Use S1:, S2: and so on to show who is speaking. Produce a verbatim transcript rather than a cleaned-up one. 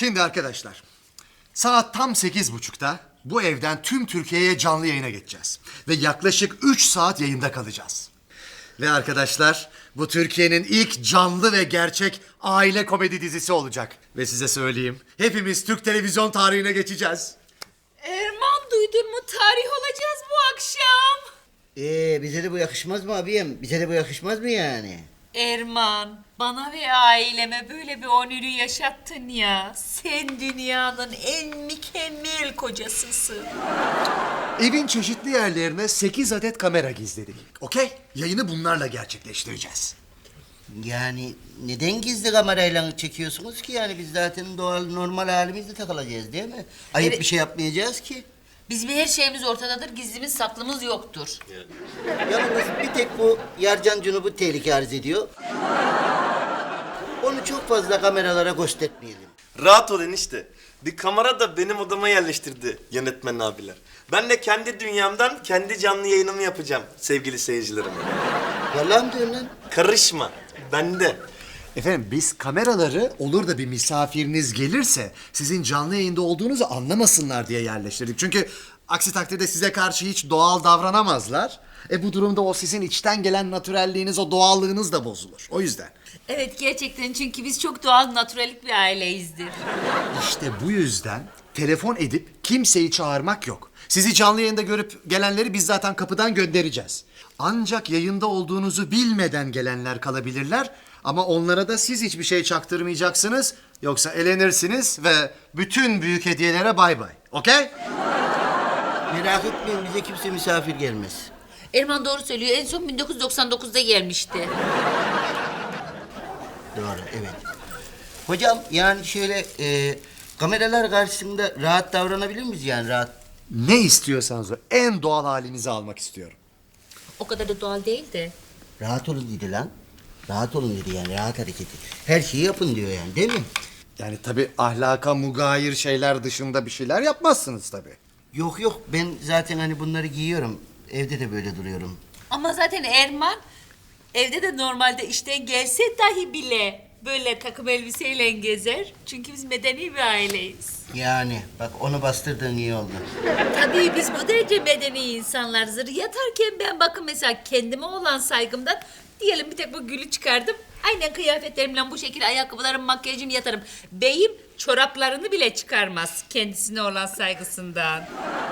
S1: Şimdi arkadaşlar, saat tam sekiz buçukta bu evden tüm Türkiye'ye canlı yayına geçeceğiz. Ve yaklaşık üç saat yayında kalacağız. Ve arkadaşlar, bu Türkiye'nin ilk canlı ve gerçek aile komedi dizisi olacak. Ve size söyleyeyim, hepimiz Türk televizyon tarihine geçeceğiz.
S2: Erman, duydun mu? Tarih olacağız bu akşam.
S3: Ee, bize de bu yakışmaz mı abiyim? Bize de bu yakışmaz mı yani?
S2: Erman, bana ve aileme böyle bir onürü yaşattın ya. Sen dünyanın en mükemmel kocasısın.
S1: Evin çeşitli yerlerine sekiz adet kamera gizledik. Okey? Yayını bunlarla gerçekleştireceğiz.
S3: Yani neden gizli kamerayla çekiyorsunuz ki? Yani biz zaten doğal normal halimizde takılacağız değil mi? Ayıp
S2: Evet.
S3: bir şey yapmayacağız ki.
S2: Bizim her şeyimiz ortadadır, gizlimiz saklımız yoktur.
S3: Yalnız bir tek bu Yarcan Cunub'u tehlike arz ediyor. Onu çok fazla kameralara göstermeyelim.
S4: Rahat ol enişte. Bir kamera da benim odama yerleştirdi yönetmen abiler. Ben de kendi dünyamdan kendi canlı yayınımı yapacağım sevgili seyircilerime.
S3: Yalan mı diyorsun lan?
S4: Karışma. Bende.
S1: Efendim biz kameraları olur da bir misafiriniz gelirse sizin canlı yayında olduğunuzu anlamasınlar diye yerleştirdik. Çünkü aksi takdirde size karşı hiç doğal davranamazlar. E bu durumda o sizin içten gelen natürelliğiniz, o doğallığınız da bozulur. O yüzden.
S2: Evet, gerçekten, çünkü biz çok doğal, naturalik bir aileyizdir.
S1: İşte bu yüzden telefon edip kimseyi çağırmak yok. Sizi canlı yayında görüp gelenleri biz zaten kapıdan göndereceğiz. Ancak yayında olduğunuzu bilmeden gelenler kalabilirler. Ama onlara da siz hiçbir şey çaktırmayacaksınız. Yoksa elenirsiniz ve bütün büyük hediyelere bay bay. Okey?
S3: Merak etmeyin, bize kimse misafir gelmez.
S2: Erman doğru söylüyor, en son bin dokuz yüz doksan dokuzda gelmişti.
S3: Doğru, evet. Hocam yani şöyle e, kameralar karşısında rahat davranabilir miyiz yani rahat?
S1: Ne istiyorsanız o en doğal halinizi almak istiyorum.
S2: O kadar da doğal değil de.
S3: Rahat olun dedi lan. Rahat olun dedi yani rahat hareket edin. Her şeyi yapın diyor yani değil mi?
S1: Yani tabii ahlaka mugayir şeyler dışında bir şeyler yapmazsınız tabii.
S3: Yok yok ben zaten hani bunları giyiyorum. Evde de böyle duruyorum.
S2: Ama zaten Erman evde de normalde işten gelse dahi bile böyle takım elbiseyle gezer. Çünkü biz medeni bir aileyiz.
S3: Yani bak onu bastırdığın iyi oldu.
S2: Tabii biz bu derece medeni insanlarızdır. Yatarken ben bakın mesela kendime olan saygımdan diyelim bir tek bu gülü çıkardım. Aynen kıyafetlerimle bu şekilde ayakkabılarım, makyajım yatarım. Beyim çoraplarını bile çıkarmaz kendisine olan saygısından.